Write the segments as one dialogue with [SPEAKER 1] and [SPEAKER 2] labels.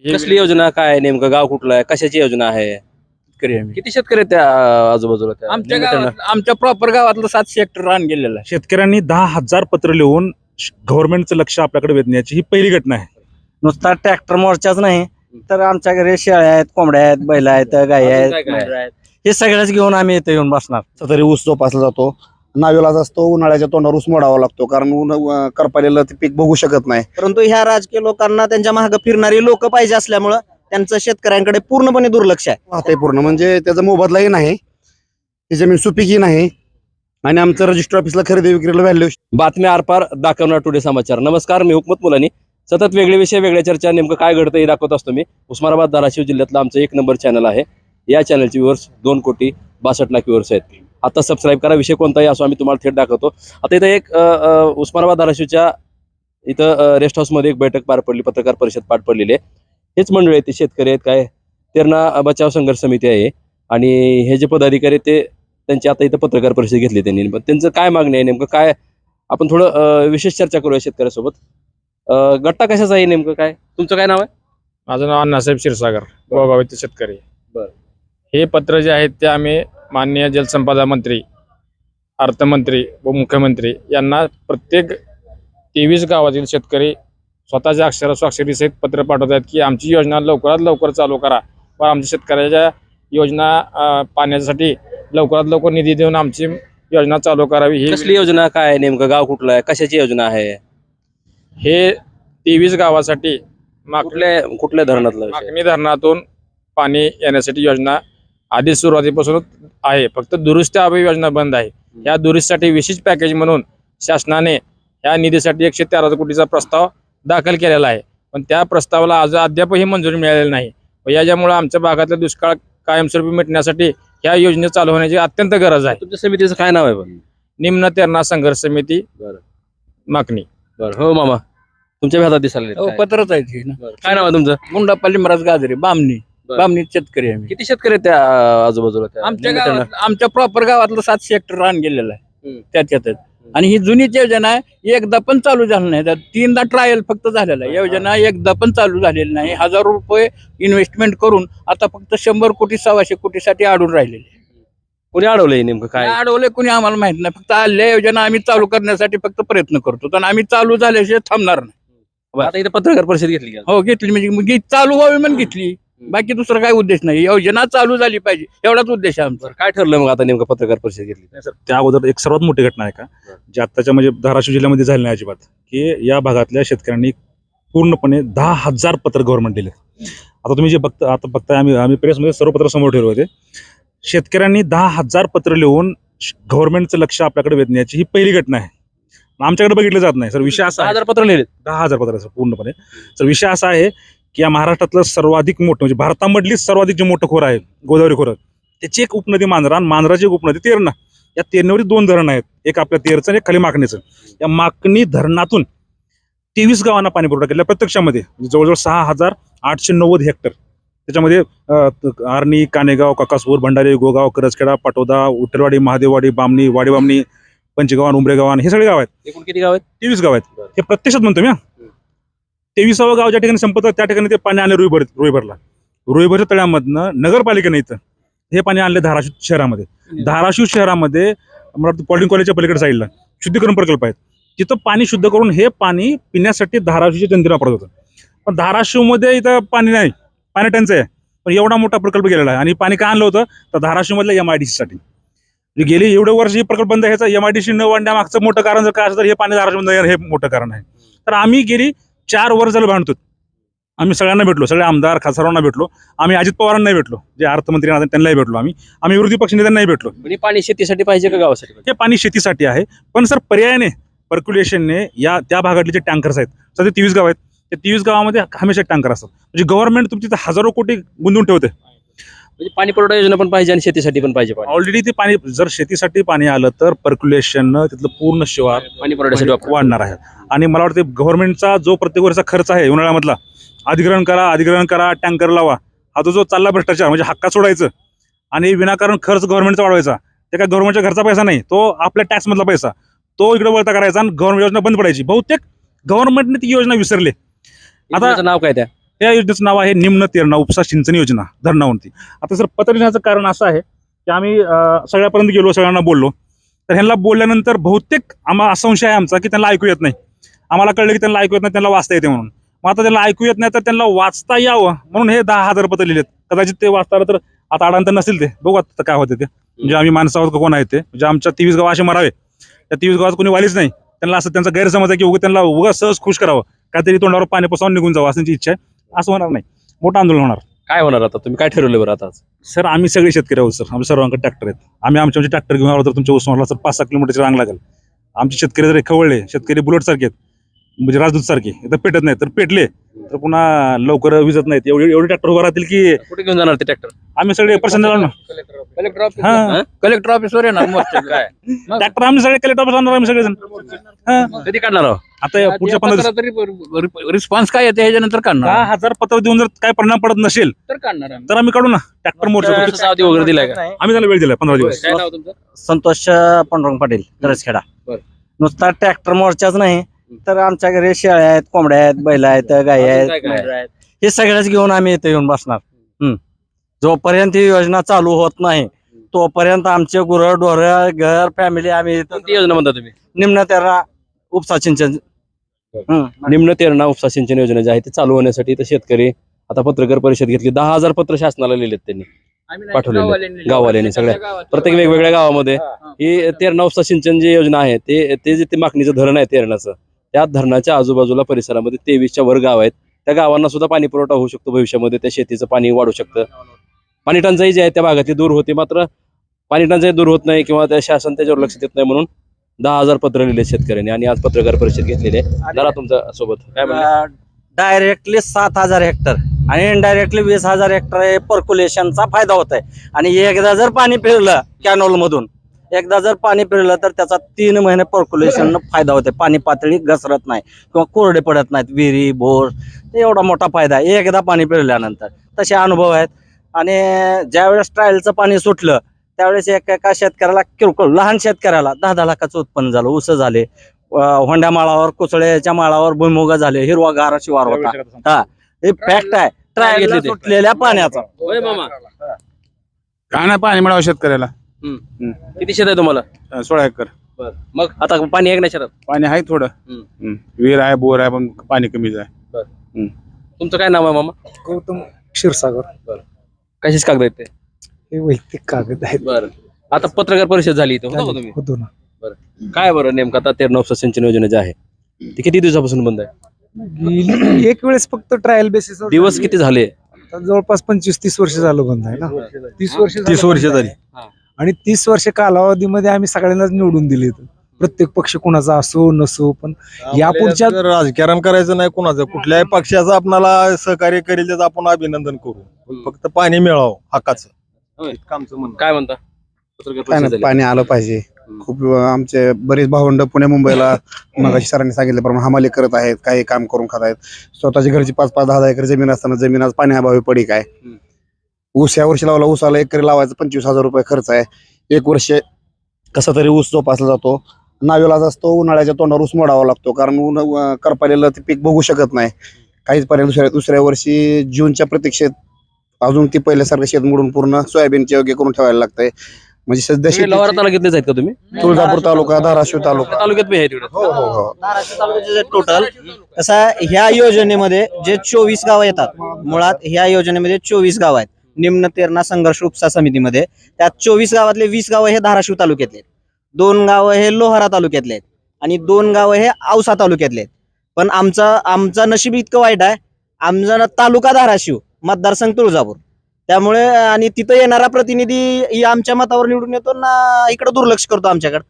[SPEAKER 1] कसली योजना काय नेमकं गाव कुठलं आहे कशाची योजना आहे किती शेतकरी आहेत त्या आजूबाजूला त्या
[SPEAKER 2] आमच्या
[SPEAKER 1] निमित्तानं?
[SPEAKER 2] गावात आमच्या प्रॉपर गावातलं 700 हेक्टर रान गेलेलं आहे.
[SPEAKER 3] शेतकऱ्यांनी 10,000 पत्र लिहून गव्हर्नमेंटचं लक्ष आपल्याकडे वेधण्याची ही पहिली घटना आहे.
[SPEAKER 4] नुसता ट्रॅक्टर मोर्चाच नाही तर आमच्या घरी शेळ्या आहेत, कोंबड्या आहेत, बैल आहेत, गाई
[SPEAKER 1] अजून
[SPEAKER 4] आहेत,
[SPEAKER 1] काय काय?
[SPEAKER 4] मेंढरं आहेत. हे सगळ्याच घेऊन आम्ही इथे येऊन बसणार.
[SPEAKER 5] तरी ऊस जोपासला जातो. नावेलाच असतो, उन्हाळ्याच्या तोंडावर ऊस मोडावा लागतो कारण करपालेलं ते पीक बघू शकत नाही.
[SPEAKER 4] परंतु ह्या राजकीय लोकांना त्यांच्या मागे फिरणारी लोक पाहिजे असल्यामुळं त्यांचं शेतकऱ्यांकडे पूर्णपणे दुर्लक्ष आहे.
[SPEAKER 5] वाहतंय पूर्ण म्हणजे त्याचा मोबदलाही नाही, ती जमीन सुपीकही नाही आणि आमचं रजिस्टर ऑफिसला खरेदी विक्रीला व्हॅल्यू.
[SPEAKER 1] बातम्या आरपार दाखवणार टुडे समाचार. नमस्कार, मी हुकमत मुलानी. सतत वेगळे विषय वेगळ्या चर्चा नेमकं काय घडतं हे दाखवत असतो मी. उस्मानाबाद धाराशिव जिल्ह्यातलं आमचं 1 नंबर चॅनल आहे. या चॅनलचे व्ह्यूअर्स 2,62,00,000 व्ह्यूअर्स आहेत. आता सबस्क्राईब करा. विषय कोणताही असो आम्ही तुम्हाला थेट दाखवतो. आता इथं एक उस्मानाबाद धाराशिवच्या इथं रेस्ट हाऊसमध्ये एक बैठक पार पडली, पत्रकार परिषद पार पडलेली आहे. हेच मंडळी आहेत, ते शेतकरी आहेत, काय तेरणा बचाव संघर्ष समिती आहे आणि हे जे पदाधिकारी ते त्यांची आता इथं पत्रकार परिषद घेतली त्यांनी. पण त्यांचं काय मागणी आहे नेमकं काय आपण थोडं विशेष चर्चा करूया शेतकऱ्यासोबत. गट्टा कशाचा आहे नेमकं काय? तुमचं काय नाव आहे?
[SPEAKER 2] माझं नाव अण्णासाहेब क्षीरसागर, गोगाव येथे शेतकरी.
[SPEAKER 1] बरं.
[SPEAKER 2] हे पत्र जे आहेत ते आम्ही माननीय जलसंपदा मंत्री, अर्थमंत्री व मुख्यमंत्री यांना प्रत्येक 23 गावातील शेतकरी स्वतःच्या स्वाक्षरी सहित पत्र पाठवत आहेत की आमची योजना लवकरात लवकर चालू करा व आमच्या शेतकऱ्याच्या योजना पाण्यासाठी लवकरात लवकर निधी देऊन आमची योजना चालू करावी. ही
[SPEAKER 1] कसली योजना काय नेमकं गाव कुठलं आहे कशाची योजना आहे?
[SPEAKER 2] हे 23 गावासाठी
[SPEAKER 1] कुठल्या धरणातलं विषय?
[SPEAKER 2] मागणी धरणातून पाणी येण्यासाठी योजना आधी सुरुवातीपासूनच आहे. फक्त दुरुस्त्या अभावी योजना बंद आहे. या दुरुस्तीसाठी विशेष पॅकेज म्हणून शासनाने या निधीसाठी 113 कोटीचा प्रस्ताव दाखल केलेला आहे. पण त्या प्रस्तावाला अद्यापही मंजुरी मिळालेली नाही व याच्यामुळे आमच्या भागातला दुष्काळ कायमस्वरूपी मिटण्यासाठी या योजना चालू होण्याची अत्यंत गरज आहे.
[SPEAKER 1] तुमच्या समितीचं काय नाव आहे पण?
[SPEAKER 2] निम्न तेरणा संघर्ष समिती मागणी.
[SPEAKER 1] बरं. हो मामा, तुमच्या हातात दिसायला काय?
[SPEAKER 2] पत्रच आहे ते ना.
[SPEAKER 1] काय नाव आहे तुमचं?
[SPEAKER 2] गुंडापल्ली महाराज गाजरे, बामणी.
[SPEAKER 1] बरं.
[SPEAKER 2] बामणी शेतकरी आहे आम्ही.
[SPEAKER 1] किती शेतकरी आहेत त्या आजूबाजूला त्या
[SPEAKER 2] आमच्या
[SPEAKER 1] निमित्तानं?
[SPEAKER 2] गावात आमच्या प्रॉपर गावातलं 700 हेक्टर रान गेलेलं आहे.
[SPEAKER 1] हम्म.
[SPEAKER 2] त्याच्यातच आणि ही जुनी योजना आहे, एकदा पण चालू झाली नाही. त्यात 3दा ट्रायल फक्त झालेला आहे. योजना एकदा पण चालू झालेली नाही. 1,000 रुपये इन्व्हेस्टमेंट करून आता फक्त 100 कोटी 1,200 कोटीसाठी अडून राहिलेले.
[SPEAKER 1] कोणी अडवलंय नेमकं काय?
[SPEAKER 2] अडवले कोणी आम्हाला माहित नाही. फक्त आल्या योजना आम्ही चालू करण्यासाठी फक्त प्रयत्न करतो आणि आम्ही चालू झाल्याशिवाय थांबणार नाही.
[SPEAKER 1] आता इथं पत्रकार परिषद घेतली का?
[SPEAKER 2] हो घेतली, म्हणजे मग चालू व्हावी म्हणून घेतली. बाकी दुसरा काय उद्देश नाही. योजना चालू झाली पाहिजे एवढाच उद्देश आहे आमचा.
[SPEAKER 1] बरं, काय ठरलं मग आता नेमकं पत्रकार परिषद घेतली?
[SPEAKER 3] नाही सर, त्या अगोदर एक सर्वात मोठी घटना आहे का जी आत्ताच्या म्हणजे धाराशिव जिल्ह्यामध्ये झाली नाही अजिबात, की या भागातल्या शेतकऱ्यांनी पूर्णपणे 10,000 पत्र गव्हर्नमेंट दिले. आता तुम्ही जे बघताय आम्ही प्रेसमध्ये सर्व पत्र समोर ठेवले होते. शेतकऱ्यांनी 10,000 पत्र लिहून गव्हर्नमेंटचं लक्ष आपल्याकडे वेधण्याची ही पहिली घटना आहे. आमच्याकडे बघितलं जात नाही सर. विषय असा आहे,
[SPEAKER 1] 10,000 पत्र लिहिले.
[SPEAKER 3] 10,000 पत्र सर पूर्णपणे. सर विषय असा आहे की या महाराष्ट्रातलं सर्वाधिक मोठं म्हणजे भारतामधली सर्वाधिक जे मोठं खोरं आहे गोदावरी खोरं, त्याची एक उपनदी मांजरा आणि मांजराची एक उपनदी तेरणा. या तेरणेवरील 2 धरण आहेत, एक आपल्या तेरचं आणि एक खाली माकणीचं. या माकणी धरणातून 23 गावांना पाणी पुरवठा केला प्रत्यक्षामध्ये. जवळजवळ 6,890 हेक्टर. त्याच्यामध्ये आर्णी, कानेगाव, काकासपूर, भंडारी, गोगाव, करजखेडा, पाटोदा, उठलवाडी, महादेववाडी, बामणी, वाडीबामणी, पंचगावान, उमरेगावान हे सगळे गाव आहेत.
[SPEAKER 1] एकूण किती गाव आहेत?
[SPEAKER 3] 23 गाव आहेत. हे प्रत्यक्षात म्हणतो मी. 23वं गाव ज्या ठिकाणी संपत त्या ठिकाणी ते पाणी आणले रुईभरला. रुईभरच्या तळ्यामधनं नगरपालिकेने इथं हे पाणी आणले धाराशिव शहरामध्ये. धाराशिव शहरामध्ये मला वाटतं पॉलिटिंग कॉलेजच्या पलीकडे साईडला शुद्धीकरण प्रकल्प आहेत. तिथं पाणी शुद्ध करून हे पाणी पिण्यासाठी धाराशिवच्या जनतेला वापरत होतं. पण धाराशिवमध्ये इथं पाणी नाही, पाणी टंचाई आहे. पण एवढा मोठा प्रकल्प गेलेला आहे आणि पाणी का आणलं होतं तर धाराशिवमधल्या MIDC साठी. गेली एवढे वर्ष हे प्रकल्प बंद ह्याचा MIDC न वाढण्यामागचं मोठं कारण जर काय असं तर हे पाणी धाराशिवमध्ये हे मोठं कारण आहे. तर आम्ही गेली 4 वर्ष झालं भांडतो. आम्ही सगळ्यांना भेटलो, सगळे आमदार खासदारांना भेटलो. आम्ही अजित पवारांनाही भेटलो, जे अर्थमंत्री त्यांनाही भेटलो. आम्ही विरोधी पक्ष नेत्यांनाही भेटलो.
[SPEAKER 1] म्हणजे पाणी शेतीसाठी पाहिजे का गावासाठी?
[SPEAKER 3] हे पाणी शेतीसाठी आहे. पण सर पर्यायाने पर्क्युलेशनने त्या भागातले जे टँकर्स आहेत, सध्या 23 गाव आहेत, त्या 23 गावामध्ये हमेशा टँकर असतात. म्हणजे गव्हर्नमेंट तुमची 1,000 कोटी गुंतवून ठेवते.
[SPEAKER 1] म्हणजे पाणी पुरवठा योजना पण पाहिजे आणि शेतीसाठी पण पाहिजे पाणी.
[SPEAKER 3] ऑलरेडी ते पाणी जर शेतीसाठी पाणी आलं तर पर्क्युलेशन तिथलं पूर्ण शिवार
[SPEAKER 1] पाणी पुरवठ्यासाठी
[SPEAKER 3] वाढणार आहे. आणि मला वाटतं गव्हर्नमेंटचा जो प्रत्येक वर्षाचा खर्च आहे उन्हाळ्यामधला, अधिग्रहण करा, टँकर लावा, हा जो चालला भ्रष्टाचार म्हणजे हक्का सोडायचं आणि विनाकारण खर्च गव्हर्नमेंटचा वाढवायचा. ते काय गव्हर्नमेंटच्या घरचा पैसा नाही, तो आपल्या टॅक्समधला पैसा तो इकडे वळता करायचा आणि गव्हर्नमेंट योजना बंद पडायची. बहुतेक गव्हर्नमेंटने ती योजना विसरली.
[SPEAKER 1] आता नाव काय त्या?
[SPEAKER 3] या योजनेचं नाव आहे निम्न तेरणा उपसा सिंचन योजना धरणावरती. आता सर पत्र लिहिण्याचं कारण असं आहे की आम्ही सगळ्यापर्यंत गेलो, सगळ्यांना बोललो, तर ह्यांना बोलल्यानंतर बहुतेक आम्हाला संशय आहे आमचा की त्यांना ऐकू येत नाही. आम्हाला कळलं की त्यांना ऐकू येत नाही, त्यांना वाचता येते म्हणून. मग आता त्यांना ऐकू येत नाही तर त्यांना वाचता यावं म्हणून हे 10,000 पत्र लिहिलेत. कदाचित ते वाचताना तर आता अडांतर नसतील, ते बघू आता काय होते ते. म्हणजे आम्ही माणसं आहोत का कोण आहे ते, म्हणजे आमच्या 23 गाव असे मरावे, त्या 23 गावात कोणी वालीच नाही. त्यांना असं त्यांचा गैरसमज आहे की उगा त्यांना उगा सहज खुश करावं, काहीतरी तोंडावर पाणी पसवून निघून जावं असं इच्छा आहे. असं होणार नाही, मोठं आंदोलन होणार.
[SPEAKER 1] काय होणार आता, तुम्ही काय ठरवलं बरं आता?
[SPEAKER 3] सर आम्ही सगळे शेतकरी आहोत सर, आम्ही सर्वांकडे ट्रॅक्टर आहेत. आमचे ट्रॅक्टर घेऊन आलो तर तुमच्या उस्मानाला सर 5-6 किलोमीटरची रांग लागेल. आमचे शेतकरी जर खवळले, शेतकरी बुलेट सारखे आहेत, म्हणजे राजदूत सारखे, तर पेटत नाहीत, तर पेटले तर पुन्हा लवकर विजत नाहीत. एवढे ट्रॅक्टर उभा राहतील की
[SPEAKER 1] कुठे घेऊन जाणार ते ट्रॅक्टर?
[SPEAKER 3] आम्ही सगळे पर्सन ना.
[SPEAKER 2] कलेक्टर ऑफिसवर येणार
[SPEAKER 1] काय
[SPEAKER 3] ट्रॅक्टर आम्ही सगळे कलेक्टर ऑफिस आणणार, आम्ही सगळेजण.
[SPEAKER 1] कधी काढणार आहोत?
[SPEAKER 3] आता पुढच्या 15 दिवस
[SPEAKER 2] रिस्पॉन्स काय येते ह्याच्यानंतर काढणार
[SPEAKER 3] 10,000 पत्र देऊन जर काय परिणाम पडत नसेल
[SPEAKER 2] तर काढणार
[SPEAKER 3] तर आम्ही काढू ना ट्रॅक्टर मोर्चा.
[SPEAKER 1] अवधी वगैरे दिलाय का?
[SPEAKER 3] आम्ही त्याला वेळ दिलाय 15 दिवस.
[SPEAKER 1] काय नाव तुमचं?
[SPEAKER 4] संतोष पांडुरंग पाटील तरसखेडा.
[SPEAKER 1] बरं.
[SPEAKER 4] नुसता ट्रॅक्टर मोर्चाच नाही तर आमच्या घरी शेळ्या आहेत, कोंबड्या आहेत, बैल आहेत, गाई आहेत,
[SPEAKER 1] काय काय?
[SPEAKER 4] मेंढरं आहेत. हे सगळ्याच घेऊन आम्ही इथे येऊन बसणार. जोपर्यंत ही योजना चालू होत नाही तोपर्यंत आमचे गुरं ढोरं घर फॅमिली आम्ही इथं
[SPEAKER 1] कोणती योजना म्हणता तुम्ही?
[SPEAKER 4] निम्न तेरणा उपसा सिंचन.
[SPEAKER 1] निम्न तेरणा उपसा सिंचन योजना जी आहे ती चालू होण्यासाठी इथं शेतकरी आता पत्रकार परिषद घेतली. 10,000 पत्र शासनाला लिहिलेत त्यांनी, पाठवलेले गाववाल्यांनी सगळ्या प्रत्येक वेगवेगळ्या गावामध्ये. ही तेरणा उपसा सिंचन जी योजना आहे ते जे मागणीचं धरण आहे तेरणाचं, त्या धरणाच्या आजूबाजूला परिसरामध्ये 23च्या वर गाव आहेत. त्या गावांना सुद्धा पाणी पुरवठा होऊ शकतो भविष्यामध्ये, त्या शेतीचं पाणी वाढू शकतं. पाणी टंचाई जी आहे त्या भागातली दूर होते, मात्र पाणी टंचाई दूर होत नाही किंवा त्या शासन त्याच्यावर लक्ष देत नाही म्हणून 10,000 पत्र लिहिले शेतकऱ्यांनी आणि आज पत्रकार परिषद घेतलेली आहे. जरा तुमच्या सोबत काय म्हणलं?
[SPEAKER 4] डायरेक्टली 7,000 हेक्टर आणि इनडायरेक्टली 20,000 हेक्टर हे पर्क्युलेशनचा फायदा होत आहे. आणि एकदा जर पाणी फिरलं कॅनॉल मधून, एकदा जर पाणी फिरलं तर त्याचा 3 महिने पर्क्युलेशन फायदा होते. पाणी पातळी घसरत नाही किंवा कोरडे पडत नाहीत, विहिरी बोर, एवढा मोठा फायदा आहे एकदा पाणी फिरल्यानंतर. तसे अनुभव आहेत. आणि ज्यावेळेस ट्रायलचं पाणी सुटलं त्यावेळेस एका शेतकऱ्याला किरकोळ लहान शेतकऱ्याला 10-10 लाखाचं उत्पन्न झालं. ऊस झाले, होंड्या माळावर, कुचळ्याच्या माळावर भुईमुग झाले, हिरवागार शिवार होता. हे फॅक्ट आहे ट्रायल सुटलेल्या पाण्याचा.
[SPEAKER 1] होय मामा,
[SPEAKER 2] काय नाही पाणी मिळावं शेतकऱ्याला.
[SPEAKER 1] किती शेत आहे तुम्हाला?
[SPEAKER 2] 16 एकर
[SPEAKER 1] मग आता पाणी आहे का नाही शेतात?
[SPEAKER 2] पाणी आहे थोडं. विहीर आहे, बोर आहे, पण पाणी कमीच आहे.
[SPEAKER 1] तुमचं काय नाव आहे मामा?
[SPEAKER 6] गौतम क्षीरसागर.
[SPEAKER 1] कशाच कागद आहेत ते?
[SPEAKER 6] हे वैयक्तिक कागद आहेत.
[SPEAKER 1] बरं, आता पत्रकार परिषद झाली इथं, होता का तुम्ही?
[SPEAKER 6] होतो ना.
[SPEAKER 1] काय बरं नेमकं आता तेरणा उपसा सिंचन योजना जी आहे ती किती दिवसापासून बंद आहे?
[SPEAKER 6] गेली एक वेळेस फक्त ट्रायल बेसिस
[SPEAKER 1] दिवस किती झाले?
[SPEAKER 6] जवळपास 25-30 वर्ष झालं बंद आहे ना. 30 वर्ष झाली.
[SPEAKER 1] हा.
[SPEAKER 6] आणि 30 वर्ष कालावधीमध्ये आम्ही सगळ्यांनाच निवडून दिले. प्रत्येक पक्ष कुणाचा असो नसो, पण यापुढच्या
[SPEAKER 7] राजकारण करायचं नाही कुणाचं, कुठल्याही पक्षाचं आपल्याला सहकार्य करेल त्याचं आपण अभिनंदन करू. फक्त पाणी मिळावं हक्काचं.
[SPEAKER 1] काय म्हणता? पत्रकार
[SPEAKER 5] काय
[SPEAKER 1] परिषद
[SPEAKER 5] नाही,
[SPEAKER 1] झाली.
[SPEAKER 5] पाणी आलं पाहिजे. खूप आमचे बरेच भावंड पुणे मुंबईला मगाशी सरांनी सांगितल्याप्रमाणे हमाली करत आहेत, काही काम करून खात आहेत. स्वतःची घरची 5-5, 10-10 एकर जमीन असताना जमीन आज पाण्याअभावी पडी काय. ऊस या वर्षी लावला, ऊसाला एकरी लावायचा 25,000 रुपये खर्च आहे. एक वर्ष कसा तरी ऊस जोपासला जातो. नावेलाच असतो, उन्हाळ्याच्या तोंडावर ऊस मोडावा लागतो कारण करपालेलं ते पीक बघू शकत नाही. काहीच पर्याय दुसऱ्या वर्षी जूनच्या प्रतीक्षेत अजून ती पहिल्यासारखं शेत मोडून पूर्ण सोयाबीनचे योग्य करून ठेवायला लागतंय. म्हणजे सध्या
[SPEAKER 1] तुम्ही लोहारा तालुक्यातलेच आहेत का तुम्ही?
[SPEAKER 5] तुळजापूर तालुका, धाराशिव तालुका.
[SPEAKER 1] तालुक्यात बी आहे तिकडे.
[SPEAKER 4] धाराशिव तालुक्याचे टोटल तसा ह्या योजनेमध्ये जे 24 गाव येतात, मुळात ह्या योजनेमध्ये 24 गाव आहेत निम्न तेरणा संघर्ष उपसा समितीमध्ये. त्यात 24 गावातले 20 गाव हे धाराशिव तालुक्यातले आहेत, 2 गाव हे लोहारा तालुक्यातले आहेत आणि 2 गाव हे औसा तालुक्यातले आहेत. पण आमचं नशीब इतकं वाईट आहे, आमचा तालुका धाराशिव, मतदारसंघ तुळजापूर. त्यामुळे आणि तिथं येणारा प्रतिनिधी आमच्या मतावर निवडून येतो ना, इकडे दुर्लक्ष करतो आमच्याकडे.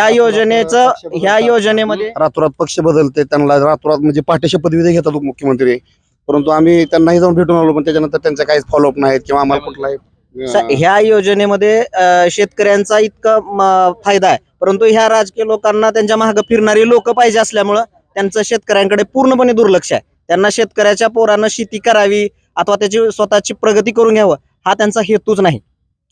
[SPEAKER 4] ह्या योजनेमध्ये
[SPEAKER 5] रातोरात पक्ष बदलते, त्यांना रातोरात म्हणजे पाठ्य शपथविधी घेतात उपमुख्यमंत्री. परंतु आम्ही त्यांनाही जाऊन भेटून आलो, पण त्याच्यानंतर त्यांचा काहीच फॉलोअप नाहीत किंवा आम्हाला कुठलाही.
[SPEAKER 4] ह्या योजनेमध्ये शेतकऱ्यांचा इतका फायदा आहे, परंतु ह्या राजकीय लोकांना त्यांच्या मागे फिरणारी लोक पाहिजे असल्यामुळं त्यांचं शेतकऱ्यांकडे पूर्णपणे दुर्लक्ष आहे. त्यांना शेतकऱ्याच्या पोरानं शेती करावी अथवा त्याची स्वतःची प्रगती करून घ्यावं हा त्यांचा हेतूच नाही.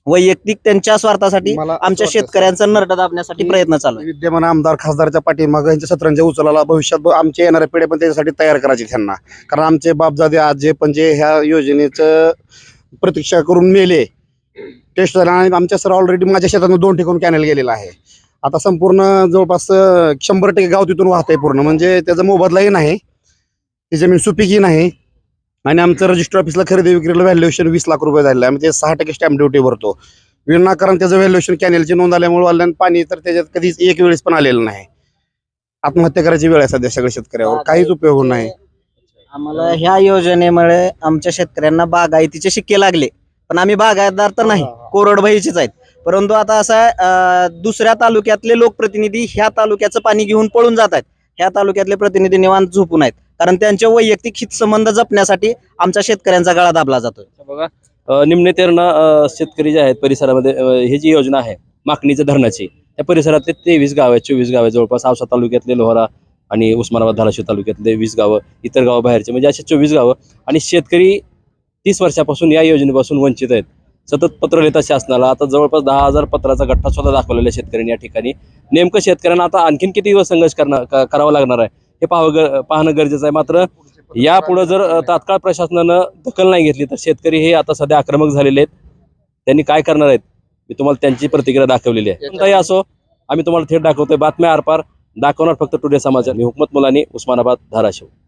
[SPEAKER 8] वैयक्तिक त्यांच्या स्वार्थासाठी
[SPEAKER 5] मला असं
[SPEAKER 8] आमच्या
[SPEAKER 5] वाटतं,
[SPEAKER 8] शेतकऱ्यांचा नरडा दाबण्यासाठी प्रयत्न चालू आहे.
[SPEAKER 5] विद्यमान आमदार खासदारच्या पाठीमागं यांच्या सत्रांच्या उचलाला भविष्यात आमच्या येणाऱ्या पिढ्या पण त्याच्यासाठी तयार करायची त्यांना. कारण आमचे बापजादे आजे पण जे ह्या योजनेचं प्रतीक्षा करून मेले टेस्ट झाला आणि आमच्या सर ऑलरेडी माझ्या शेतातून 2 ठिकाणी कॅनल गेलेला आहे. आता संपूर्ण जवळपास 100% गाव तिथून वाहत आहे पूर्ण, म्हणजे त्याचा मोबदलाही नाही, ती जमीन सुपीकही नाही. आणि आमचं रजिस्टर ऑफिसला खरेदी विक्रीला व्हॅल्युएशन 20 लाख रुपये झालेलं आहे. आम्ही ते 6% स्टॅम्प ड्युटी भरतो. विनाकारण त्याचं व्हॅल्युएशन कॅनेलची नोंद आल्यामुळे वाल्यानं पाणी तर त्याच्यात कधीच एक वेळेस पण आलेलं नाही. आत्महत्या करायची वेळ आहे सध्या सगळ्या शेतकऱ्यावर, काहीच उपयोग नाही.
[SPEAKER 8] आम्हाला ह्या योजनेमुळे आमच्या शेतकऱ्यांना बागायतीचे शिक्के लागले, पण आम्ही बागायतदार तर नाही, कोरडवाहीचेच आहेत. परंतु आता असं आहे, दुसऱ्या तालुक्यातले लोकप्रतिनिधी ह्या तालुक्याचं पाणी घेऊन पळून जात आहेत. ह्या तालुक्यातले प्रतिनिधी निवांत झोपून आहेत, कारण त्यांचे वैयक्तिक हितसंबंध जपण्यासाठी आमच्या शेतकऱ्यांचा गळा दाबला जातोय.
[SPEAKER 1] बघा निम्न तेरणा शेतकरी जे आहेत परिसरामध्ये ही जी योजना आहे माकणीच्या धरणाची, त्या परिसरातले 23 गाव आहेत, 24 गाव आहेत जवळपास. औसा तालुक्यातले लोहारा आणि उस्मानाबाद धाराशिव तालुक्यातले 20 गावं, इतर गावं बाहेरचे, म्हणजे असे 24 गावं. आणि शेतकरी 30 वर्षापासून या योजनेपासून वंचित आहेत. सतत पत्र लिहितात शासनाला. आता जवळपास 10,000 पत्राचा गठ्ठा सुद्धा दाखवलेला आहे शेतकऱ्यांनी या ठिकाणी. नेमकं शेतकऱ्यांना आता आणखीन किती दिवस संघर्ष करावा लागणार आहे हे पाहणं गरजेचं आहे. मात्र यापुढे जर तात्काळ प्रशासनानं दखल नाही घेतली तर शेतकरी हे आता सध्या आक्रमक झालेले आहेत. त्यांनी काय करणार आहेत मी तुम्हाला त्यांची प्रतिक्रिया दाखवलेली आहे. कोणताही असो, आम्ही तुम्हाला थेट दाखवतोय. बातम्या आरपार दाखवणार फक्त टुडे समाचार. मी हुकमत मुलानी, उस्मानाबाद, धाराशिव.